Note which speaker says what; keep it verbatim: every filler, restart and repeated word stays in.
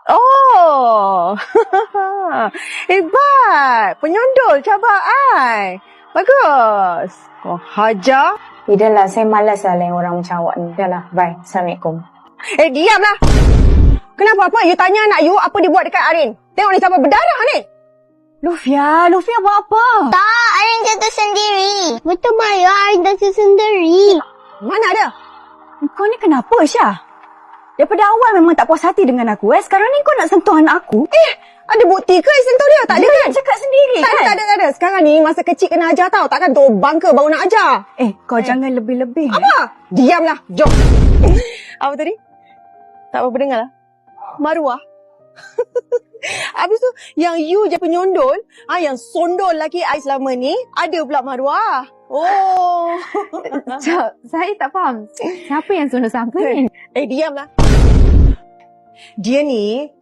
Speaker 1: Oh. Hebat. Penyondol cabar I. Bagus. Kau hajar.
Speaker 2: Eh, dah lah. Saya malas lah lain orang macam awak ni. Dah lah. Bye. Assalamualaikum.
Speaker 1: Eh, diamlah. Kenapa apa? You tanya anak you apa dia buat dekat Arin. Tengok ni sampai berdarah ni.
Speaker 3: Lufia, Lufia buat apa?
Speaker 4: Tak, Arin jatuh sendiri. Betul Maya, Arin jatuh sendiri.
Speaker 1: Mana ada?
Speaker 3: Kau ni kenapa, Syah? Daripada awal memang tak puas hati dengan aku. Eh, sekarang ni kau nak sentuh anak aku.
Speaker 1: Eh, ada bukti ke sentuh dia? Tak ada
Speaker 3: Dia
Speaker 1: kan?
Speaker 3: cakap sendiri
Speaker 1: Tak
Speaker 3: kan?
Speaker 1: ada, tak ada, tak ada. Sekarang ni masa kecil kena ajar tau. Takkan tu bangka baru nak ajar.
Speaker 3: Eh, kau eh. jangan lebih-lebih.
Speaker 1: Apa? Diamlah. Jom. Apa tadi? Tak apa-apa dengar lah. Maruah. Habis tu, yang you je penyondol, ah, yang sondol laki I selama ni, ada pula maruah. Oh.
Speaker 5: Cak, saya tak faham. Siapa yang suruh siapa ni?
Speaker 1: Eh, diamlah. Dia ni